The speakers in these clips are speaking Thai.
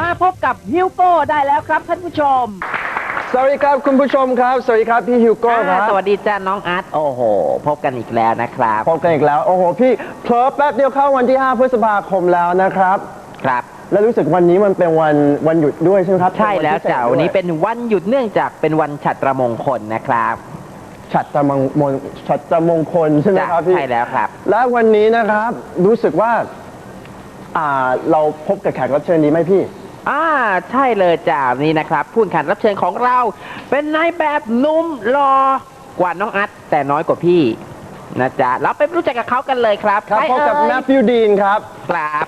มาพบกับฮิวโก้ได้แล้วครับท่านผู้ชมสวัสดีครับคุณผู้ชมครับสวัสดีครับพี่ฮิวโก้ครับสวัสดีจ้าน้องอาร์ตโอ้โหพบกันอีกแล้วนะครับพบกันอีกแล้วโอ้โหพี่เผลอแป๊บเดียวเข้าวันที่5 พฤษภาคมแล้วนะครับครับแล้วรู้สึกวันนี้มันเป็นวันหยุดด้วยใช่ไหมครับใช่แล้วจ้าวันนี้เป็นวันหยุดเนื่องจากเป็นวันฉัตรมงคลนะครับฉัตรมงคลใช่ไหมครับพี่ใช่แล้วครับและวันนี้นะครับรู้สึกว่าเราพบกับแขกรับเชิญนี้ไหมพี่ใช่เลยจ้านี่นะครับผู้แข่งรับเชิญของเราเป็นนายแบบหนุ่มหล่อกว่าน้องอาร์ตแต่น้อยกว่าพี่นะจ๊ะเราไปรู้จักกับเขากันเลยครับครับพบกับแมทธิวดีนครับครับ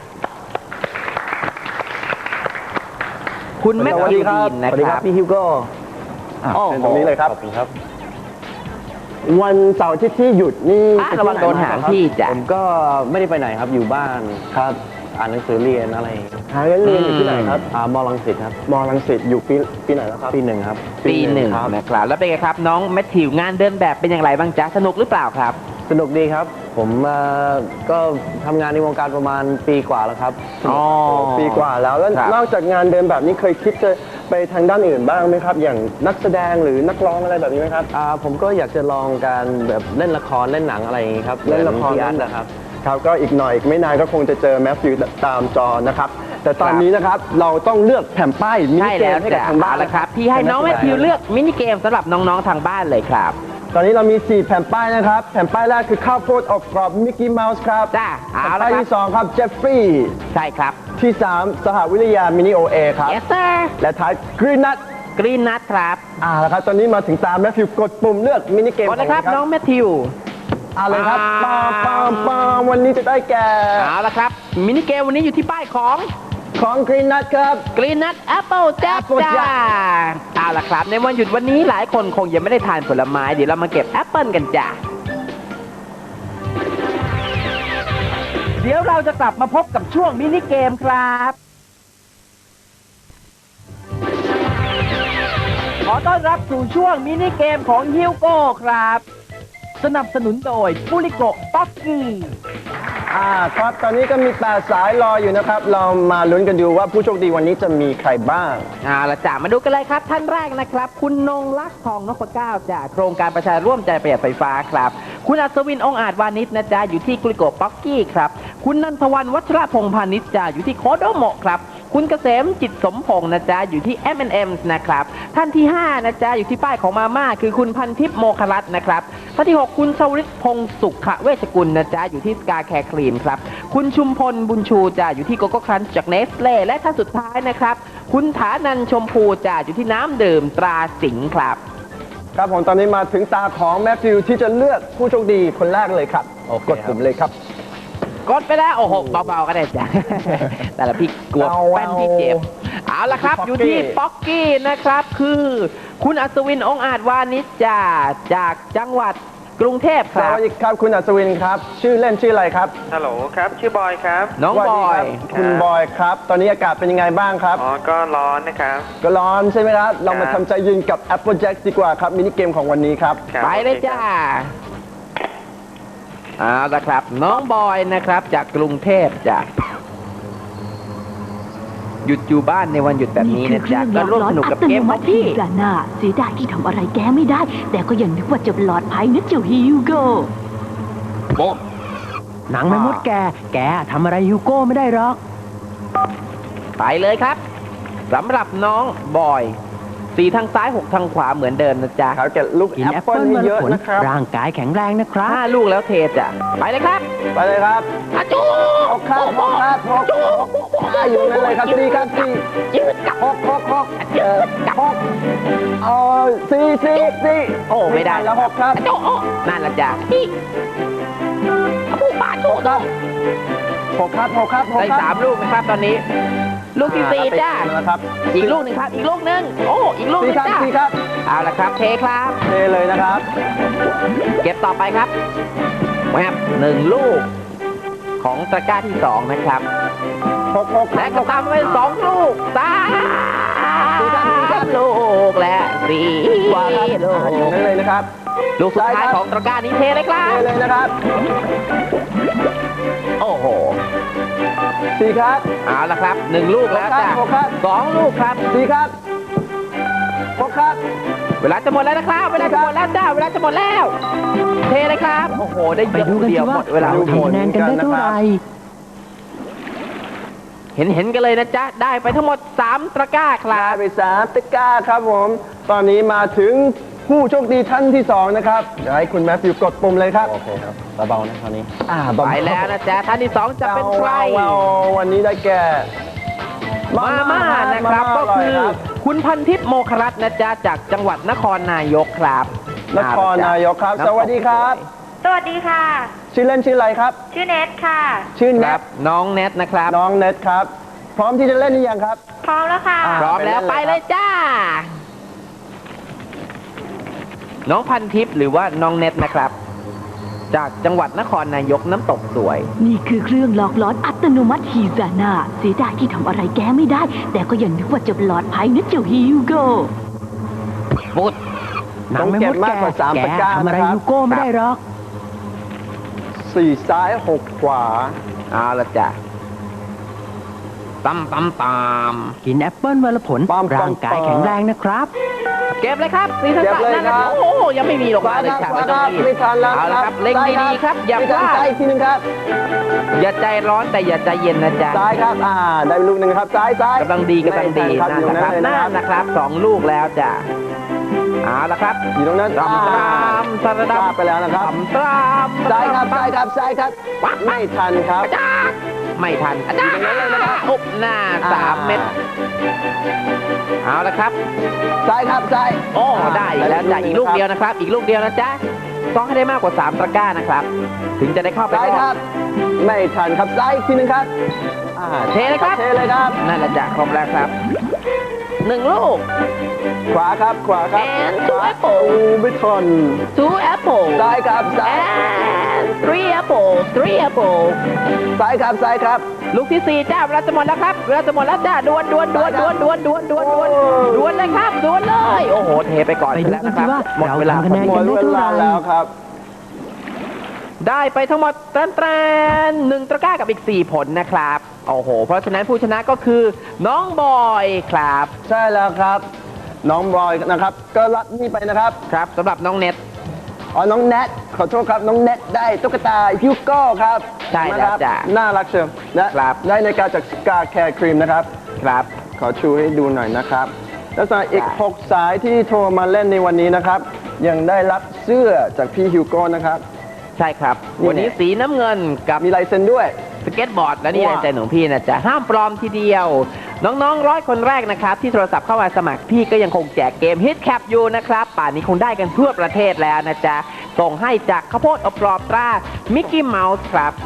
คุณแมทธิวดีนนะสวัสดีคครัรับบพี่ฮิวโก้เป็นตรงนี้เลยครับขอบคุณครับวันเสาร์ที่หยุดนี่ระวังโดนหางพี่จ้ะผมก็ไม่ได้ไปไหนครับอยู่บ้านครับอ่านหนังสือเรียนอะไรหาเรียนอยู่ที่ไหนครับมอลังสิตครับมอลังสิตอยู่ปีไหนแล้วครับปี 1ครับปี 1นะครับแล้วเป็นไงครับน้องแมทธิวงานเดินแบบเป็นอย่างไรบ้างจ๊ะสนุกหรือเปล่าครับสนุกดีครับผมก็ทำงานในวงการประมาณปีกว่าแล้วครับปีกว่าแล้วนอกจากงานเดินแบบนี้เคยคิดจะไปทางด้านอื่นบ้างไหมครับอย่างนักแสดงหรือนักร้องอะไรแบบนี้ไหมครับผมก็อยากจะลองการแบบเล่นละครเล่นหนังอะไรอย่างนี้ครับเล่นละครนะครับครับก็อีกหน่อยอีกไม่นานก็คงจะเจอแมทธิวตามจอนะครับแต่ตอนนี้นะครับเราต้องเลือกแผ่นป้ายมินิเกมให้กับทางบ้านแล้วครับพี่ให้น้องแมทธิวเลือกมินิเกมสำหรับน้องๆทางบ้านเลยครับตอนนี้เรามี4แผ่นป้ายนะครับแผ่นป้ายแรกคือข้าวโพดอบกรอบมิกกี้เมาส์ครับจ้าแผ่นป้ายที่2ครับเจฟฟรีย์ใช่ครับที่3สหวิทยามินิโอเอครับ Yes sir และท้ายกรีนนัทครับแล้วครับตอนนี้มาถึงตามแมทธิวกดปุ่มเลือกมินิเกมกดนะครับน้องแมทธิวเลยครับปาวันนี้จะได้แก่ละครับมินิเกมวันนี้อยู่ที่ป้ายของกรีนนัทครับกรีนนัทแอปเปิลจ้าละครับในวันหยุดวันนี้หลายคนคงยังไม่ได้ทานผลไม้เดี๋ยวเรามาเก็บแอปเปิลกันจ้าเดี๋ยวเราจะกลับมาพบกับช่วงมินิเกมครับขอต้อนรับสู่ช่วงมินิเกมของฮิวโก้ครับสนับสนุนโดยปุริโกป๊อกกี้ครับตอนนี้ก็มี8สายรออยู่นะครับเรามาลุ้นกันดูว่าผู้โชคดีวันนี้จะมีใครบ้างละจ้ะมาดูกันเลยครับท่านแรกนะครับคุณนงลักษณ์ทองนพเก้าจากโครงการประชาร่วมใจประหยัดไฟฟ้าครับคุณอัศวินองค์อาจวานิชนะจ๊ะอยู่ที่กุลิโกป๊อกกี้ครับคุณนันทวันวัชระพงษ์พาณิชย์จ้ะอยู่ที่โคโดโมะครับคุณเกษมจิตสมพงษ์นะจ๊ะอยู่ที่ M&M นะครับท่านที่5นะจ๊ะอยู่ที่ป้ายของมาม่าคือคุณพันทิพย์โมครัตน์นะครับท่านที่6คุณชวริตพงศ์สุขเวชกุลนะจ๊ะอยู่ที่สกาแคร์ครีมครับคุณชุมพลบุญชูจ้ะอยู่ที่โกโก้ครันช์จากเนสเล่และท่านสุดท้ายนะครับคุณฐานันชมพูจ้ะอยู่ที่น้ำดื่มตราสิงห์ครับครับผมตอนนี้มาถึงตาของแมทธิวที่จะเลือกผู้โชคดีคนแรกเลยครับกดปุ่มเลยครับกดไปแล้วโอ้โหเบาๆก็ได้จ้ะแต่ละพี่กลัวแป้นพี่เจ็บเอาละครับอยู่ที่ป๊อกกี้นะครับคือคุณอัศวินองค์อาจวานิชจ้าจากจังหวัดกรุงเทพครับสวัสดีครับคุณอัศวินครับชื่อเล่นชื่ออะไรครับฮัลโหลครับชื่อบอยครับน้องบอยคุณบอยครับตอนนี้อากาศเป็นยังไงบ้างครับก็ร้อนนะครับก็ร้อนใช่ไหมครับเรามาทำใจยืนกับ Apple Jack ดีกว่าครับมินิเกมของวันนี้ครับไปเลยจ้าละครับน้องบอยนะครับจากกรุงเทพจ้ะหยุดอยู่บ้านในวันหยุดแบบนี้นะจ๊ะก็ร่วมสนุกกับเกมของพี่เสียดายที่ทำอะไรแกไม่ได้แต่ก็ยังนึกว่าจะปลอดภัยนะเจ้าฮิวโก้หนังไม่มดแกทำอะไรฮิวโก้ไม่ได้หรอกไปเลยครับสำหรับน้องบอย4ทางซ้าย6ทางขวาเหมือนเดิมนะจ๊ะเขาจะลูกแอปเปิ้ลเยอะนะครับร่างกายแข็งแรงนะครับ5ลูกแล้วเทจ้ะไปเลยครับไปเลยครับจูหกครับอยู่นั่นเลยครับ4ครับ4ยืดกับ64 โอ้ไม่ได้แล้ว6ครับนั่นละจ้ะผู้บาดโจด 6ครับได้3ลูกนะครับตอนนี้ลูกที่4จ้าอีกลูกหนึ่งครับอีกลูกหนึ่งอีกลูกนึงจ้าเอาละครับเทครับเทเลยนะครับเก็บต่อไปครับแวบ1ลูกของตะกร้าที่2นะครับ 6 และก็ตามไป2ลูก3ลูกและ4ลูกนั่นเลยนะครับลูกสุดท้ายของตะกร้านี้เทเลยครับเทเลยนะครับโอ้โห 4 ครับเอาละครับ1ลูกแล้วจ้ะหกครับ 2ลูกครับ 4 ครับ 6 ครับเวลาจะหมดแล้วนะครับ เวลาจะหมดแล้วจ้า เวลาจะหมดแล้ว เทเลยครับ โอ้โห ได้ไปเยอะดูกันเดีสิยวหว่ามดเวลาดูผลทำคะแนนกันได้เท่าไหร่เห็นกันเลยนะจ๊ะ ได้ไปทั้งหมด 3 ตะกร้าครัได้บไป3 ตะกร้าครับผม ตอนนี้มาถึงผู้โชคดีท่านที่ 2 นะครับเดี๋ยวให้คุณแมทธิวกดปุ่มเลยครับโอเคครับเบาๆนะคราวนี้เบาๆไปแล้วนะจ๊ะ ท่านที่ 2 จะเป็นใครว้าววันนี้ได้แก่มาม่านะครับ ก็คือ คุณพันทิพย์โมครัตน์นะจ๊ะ จากจังหวัดนครนายกครับนครนายกครับ สวัสดีครับสวัสดีค่ะชื่อเล่นชื่ออะไรครับชื่อเนทค่ะชื่อคเน็รัตบ น้องเน็ตนะครับน้องเน็ตครับ พร้อมที่จะเล่นหรือยังครับพร้อมแล้วค่ะอ่าพร้อมแล้วไปเลยจ้า น้องพันทิพย์หรือว่าน้องเน็ตนะครับ จากจังหวัดนครนายกน้ำตกสวยนี่คือเครื่องหลอกหลอนอัตโนมัติฮีซาน่าเสียดายที่ทำอะไรแกไม่ได้ แต่ก็ยังนึกว่าจะปลอดภัยนะเจ้าฮิวโกฟุตต้องเก็บมากกว่า3 ตะกร้าทำอะไรนะครับยูโก้ไม่ได้หรอก 4 ซ้าย 6 ขวาเอาละจ้ะตำตำตกินแอปเปิ้ลวันละผลปั๊มร่างกายปั๊มแข็งแรงนะครับำเก็บเลยครับสีสันเก็บเลยนั่นครันะบโอ้โหยังไม่มีลงมาเลยขครับวาไม่คต้องรับรีบไม่ทันแล้วเอาละครับเล็งซ้ายดีๆครับ อย่าไม่พทันลาดซ้ายอีกทีหนึงครับอย่าใจร้อนแต่อย่าใจเย็นนะจ๊ะซ้ายครับ ได้ลูกหนึ่งครับ ซ้ายซ้ายกำลังดีกำลังดีไม่ทันครับอยู่นะคนั่รับนเลยนั่นะครับนนะครับสองลูกแล้วจ้ะเอาละครับอยู่ตรงนั้นตำตามสระทดัราบบไปแล้วนะครับตำตามซ้ายครับ ซ้ายครับ ซ้ายครับ ไม่ทันครับจ้าไม่ทันอาจารย์อุบหน้า3 เม็ดเอาละครับซ้ายครับ ซ้ายโอ้ได้อีกแล้วจ้ะอีกลูกเดียวนะครับ อีกลูกเดียวนะจ๊ะต้องให้ได้มากกว่า3 ตะกร้านะครับ ถึงจะได้เข้าไปซ้ายรคอรับ บ ไม่ทันครับ ซ้ายอีกทีหนึงครับเทเลยครับเทเลยครับนั่นแหละจ้ะครบแล้วครับ1 ลูกขวาครับ ขวาครับ And ขวา apple โอ้ไม่ทัน 2 apple ซ้ายครับ ซ้าย and 3 apple 3 apple ซ้ายครับ ซ้ายครับลูกที่ 4จ้าเวลาจะหมดแล้วครับเวลาจะหมดแล้วจ้าดวนเลยครับดวนเลย โอ้โหเทไปก่อนไปดูแล้วกันนะคสิรับว่าหมดเราเวลาทำคะแนนหมกัดนได้เวเท่าไหลาร่แล้วครับได้ไปทั้งหมดแตรน1 ตะกร้ากับอีก 4 ผลนะครับโอ้โหเพราะฉะนั้นผู้ชนะก็คือน้องบอยครับใช่แล้วครับ น้องบอยนะครับ ก็รับนี่ไปนะครับครับสำหรับน้องเน็ตน้องแนทขอโทษครับ น้องแนทได้ตุ๊กตาฮิวโก้ครับใช่แล้วนะครับจ้ะน่ารักเชียวนะครับ ได้ในการจากสกาแคร์ครีมนะครับครับขอชูให้ดูหน่อยนะครับ แล้วสำหรับอีก 6 สายที่โทรมาเล่นในวันนี้นะครับ ยังได้รับเสื้อจากพี่ฮิวโก้นะครับใช่ครับนี่วันนี้สีน้ำเงินกับมีลายเซ็นด้วยสเก็ตบอร์ดและนี่ว้าวลายเซ็นของพี่นะจ๊ะห้ามปลอมทีเดียว น้องๆ100 คนแรกนะครับ ที่โทรศัพท์เข้ามาสมัครพี่ก็ยังคงแจกเกมฮิตแคปอยู่นะครับ ป่านนี้คงได้กันทั่วประเทศแล้วนะจ๊ะ ส่งให้จากข้าวโพดอบกรอบตรามิกกี้เมาส์ครับ